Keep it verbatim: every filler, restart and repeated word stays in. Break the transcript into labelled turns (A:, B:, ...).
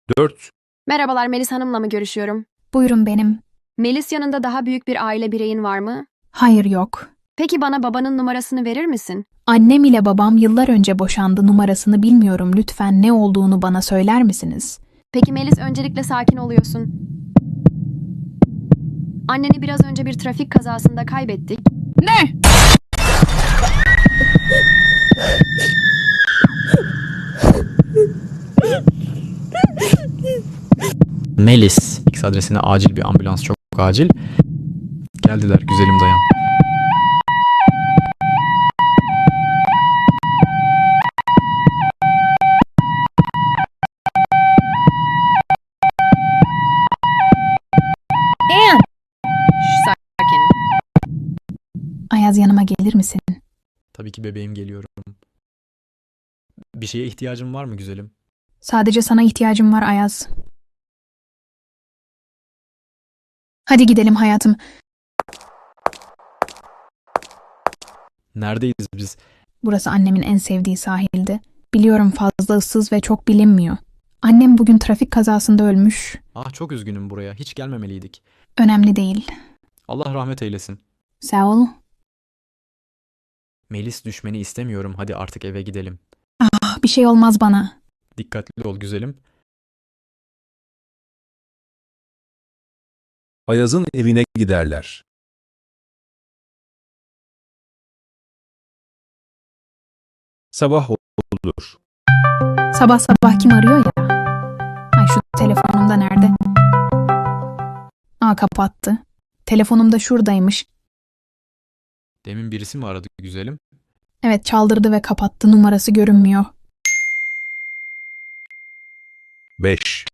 A: Dört.
B: Merhabalar, Melis Hanım'la mı görüşüyorum?
C: Buyurun benim.
B: Melis, yanında daha büyük bir aile bireyin var mı?
C: Hayır yok.
B: Peki bana babanın numarasını verir misin?
C: Annem ile babam yıllar önce boşandı, numarasını bilmiyorum, lütfen ne olduğunu bana söyler misiniz?
B: Peki Melis, öncelikle sakin oluyorsun. Anneni biraz önce bir trafik kazasında kaybettik.
C: Ne?
D: Melis. X adresine acil bir ambulans, çok acil. Geldiler, güzelim dayan.
C: Ann!
B: Şş, sakin.
C: Ayaz, yanıma gelir misin?
D: Tabii ki bebeğim, geliyorum. Bir şeye ihtiyacın var mı güzelim?
C: Sadece sana ihtiyacım var Ayaz. Hadi gidelim hayatım.
D: Neredeyiz biz?
C: Burası annemin en sevdiği sahildi. Biliyorum, fazla ıssız ve çok bilinmiyor. Annem bugün trafik kazasında ölmüş.
D: Ah, çok üzgünüm, buraya. Hiç gelmemeliydik.
C: Önemli değil.
D: Allah rahmet eylesin.
C: Sağ ol.
D: Melis, düşmeni istemiyorum. Hadi artık eve gidelim.
C: Ah, bir şey olmaz bana.
D: Dikkatli ol güzelim.
A: Ayaz'ın evine giderler. Sabah olur.
C: Sabah sabah kim arıyor ya? Ay, şu telefonumda nerede? Aa, kapattı. Telefonum da şuradaymış.
D: Demin birisi mi aradı güzelim?
C: Evet, çaldırdı ve kapattı. Numarası görünmüyor.
A: Beş.